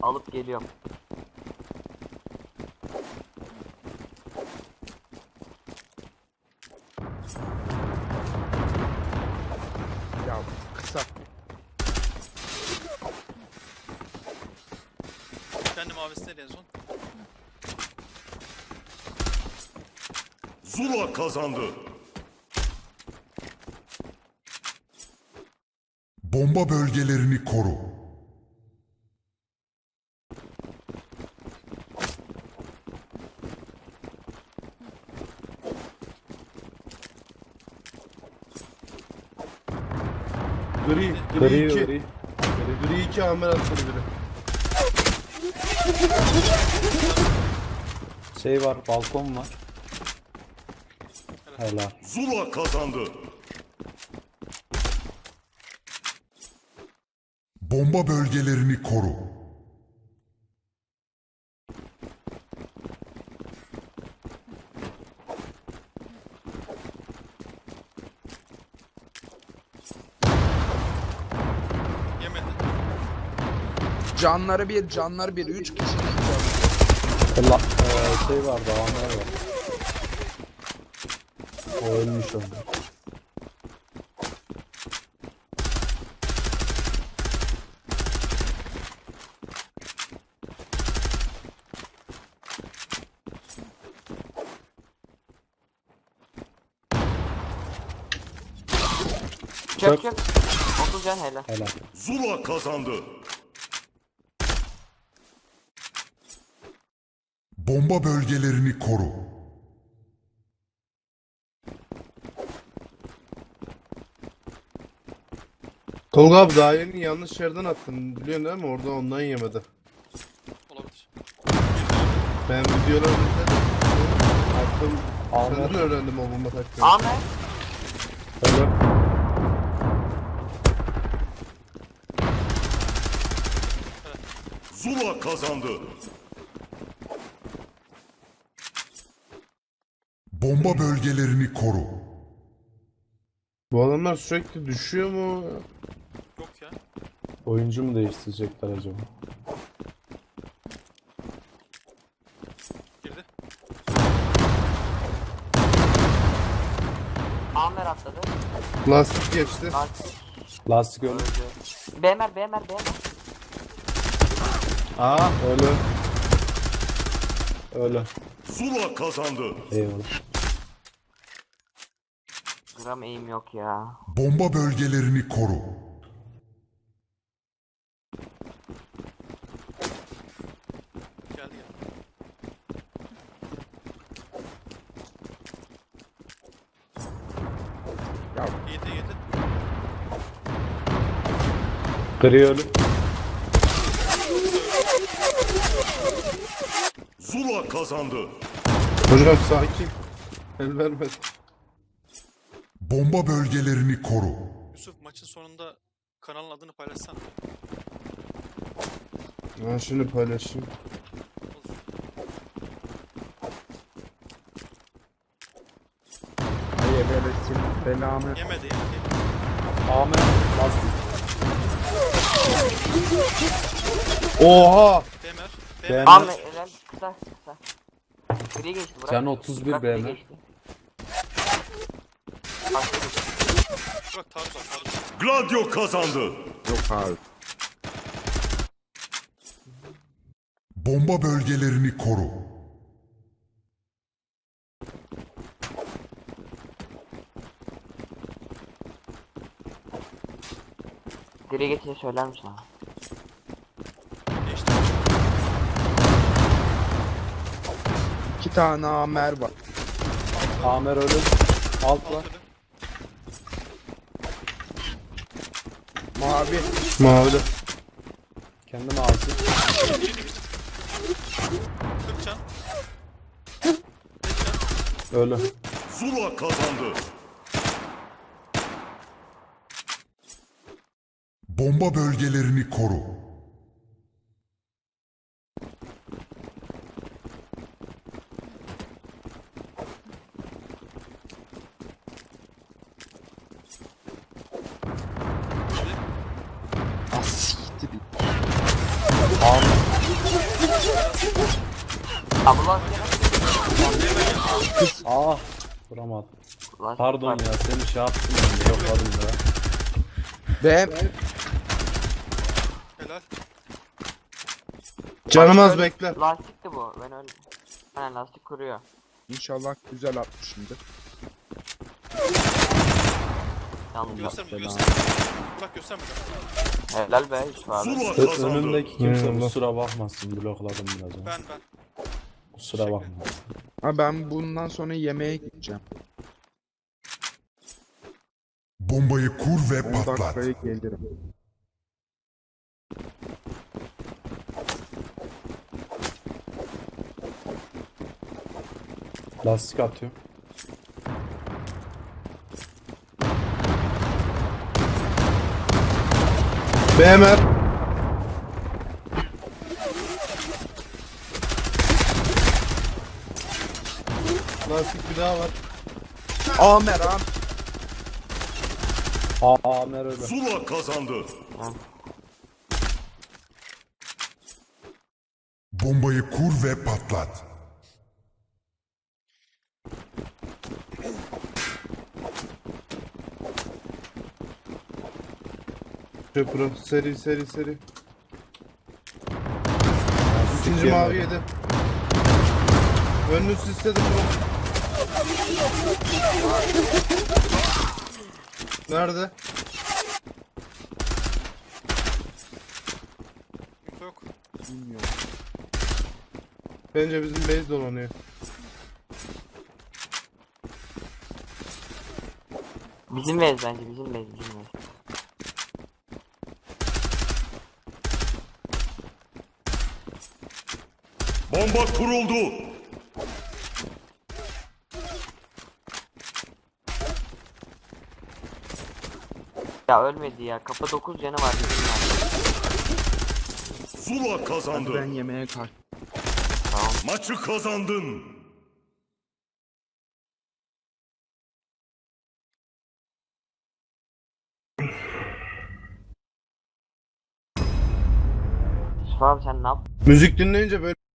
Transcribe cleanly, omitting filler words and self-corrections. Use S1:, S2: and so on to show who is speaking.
S1: Alıp geliyorum.
S2: Ya kısa.
S3: Kendi mavisindeydi en son.
S4: Zula kazandı.
S5: Bomba bölgelerini koru.
S2: Gri
S6: Gri
S2: 2.
S6: gri.
S2: Gri 2 Amer atladı biri.
S6: Şey var, balkon var. Helal.
S4: Zula kazandı.
S5: Bomba bölgelerini koru.
S3: Yemedi.
S2: Canları bir, canları bir. 3 kişi.
S6: Şey var, dağınlar var. O ölmüş onlar.
S1: Çök çök. 30 can helal.
S6: Helal.
S4: Zula kazandı.
S5: Bomba bölgelerini koru.
S2: Tolga abi daha yeni yanlış yerden attın. Biliyorsun değil mi? Orada ondan yemedi.
S3: Olabilir.
S2: Ben videoları izledim. Attım.
S6: Ahmet.
S2: Senden öğrendim o bomba taktiğini.
S1: Ahmet.
S6: Öyle.
S4: Zula kazandı.
S5: Bomba bölgelerini koru.
S2: Bu adamlar sürekli düşüyor mu?
S3: Yok ya.
S6: Oyuncu mu değiştirecekler acaba?
S3: Girdi.
S1: Ahmet atladı.
S2: Lastik geçti.
S1: Lastik
S6: Lastik öldü.
S1: öldü. BMR BMR BMR.
S2: Aa.
S6: Öyle. Öyle.
S4: Zula kazandı.
S6: Eyvallah.
S1: Gram aim yok ya.
S5: Bomba bölgelerini koru.
S3: Geldi geldi.
S2: Ya.
S3: Yedi.
S6: Gri ölü.
S4: Zula kazandı.
S2: Hocam sakin. El vermedi.
S5: Bomba bölgelerini koru.
S3: Yusuf maçın sonunda kanalın adını paylaşsan.
S2: Ben şimdi paylaşayım.
S3: Olur.
S2: Hayır belirtin. Belamı.
S3: Yemedi.
S6: Ahmet. Lastik.
S2: Oha.
S3: BMR.
S6: BMR.
S1: Ahmet helal. Kısa kısa. Gri geçti bırak.
S6: Can 31
S1: Bırak, gri
S6: BMR.
S1: geçti. Başka bir şey.
S3: Bak taarruz var taarruz.
S4: Gladio kazandı.
S2: Yok abi.
S5: Bomba bölgelerini koru.
S1: Gri geçince söyler misin abi?
S3: Geçti.
S2: 2 tane Amer var.
S6: Amer ölü. Alt var.
S3: Altı.
S2: Mavi. Mavi de.
S6: Kendine ağzı.
S3: 40 can.
S6: Ölü.
S4: Zula kazandı.
S5: Bomba bölgelerini koru.
S2: Ah siktir.
S6: Ahmet.
S1: Abla
S6: Ah. Vuramadım.
S1: lastik
S6: Pardon
S1: var.
S6: ya seni şey yaptım ben de yokladım ya.
S7: Ve
S3: Helal.
S2: Canım az
S1: Öyle-
S2: bekle.
S1: Lastikti bu. Ben öyle. Aynen lastik kuruyor.
S7: inşallah güzel atmışımdır.
S1: Yalnız.
S3: Gösterme
S6: belanı.
S3: gösterme. Bak gösterme.
S1: Helal be Yusuf abi.
S4: Zula
S6: Ö-
S4: kazandı.
S6: önümdeki kimse
S2: Eyvallah.
S6: kusura bakmasın blokladım biraz onu.
S3: Ben.
S6: Kusura bakma.
S7: Ha ben bundan sonra yemeğe gideceğim.
S5: Bombayı kur ve
S7: 10
S5: patlat.
S7: dakikaya gelirim.
S6: Lastik atıyor.
S2: BMR. Lastik bir daha var.
S7: Amer am.
S6: Amer öyle.
S4: Zula kazandı.
S5: Bombayı kur ve patlat.
S2: Köprü. Seri seri seri.
S6: Lastik
S2: İkinci
S6: yemedi.
S2: mavi yedi. Önünü sisledi bro. Nerede?
S3: Info yok.
S7: Bilmiyorum.
S2: Bence bizim base dolanıyor.
S1: Bizim bez bence bizim bez.
S4: Bomba kuruldu.
S1: Ya ölmedi ya. Kapı 9 canı var. Bizim var.
S4: Zula
S7: Hadi
S4: kazandı.
S7: ben yemeğe kalk.
S1: Tamam.
S4: Maçı kazandın.
S1: Yusuf abi sen ne yap?
S2: Müzik dinleyince böyle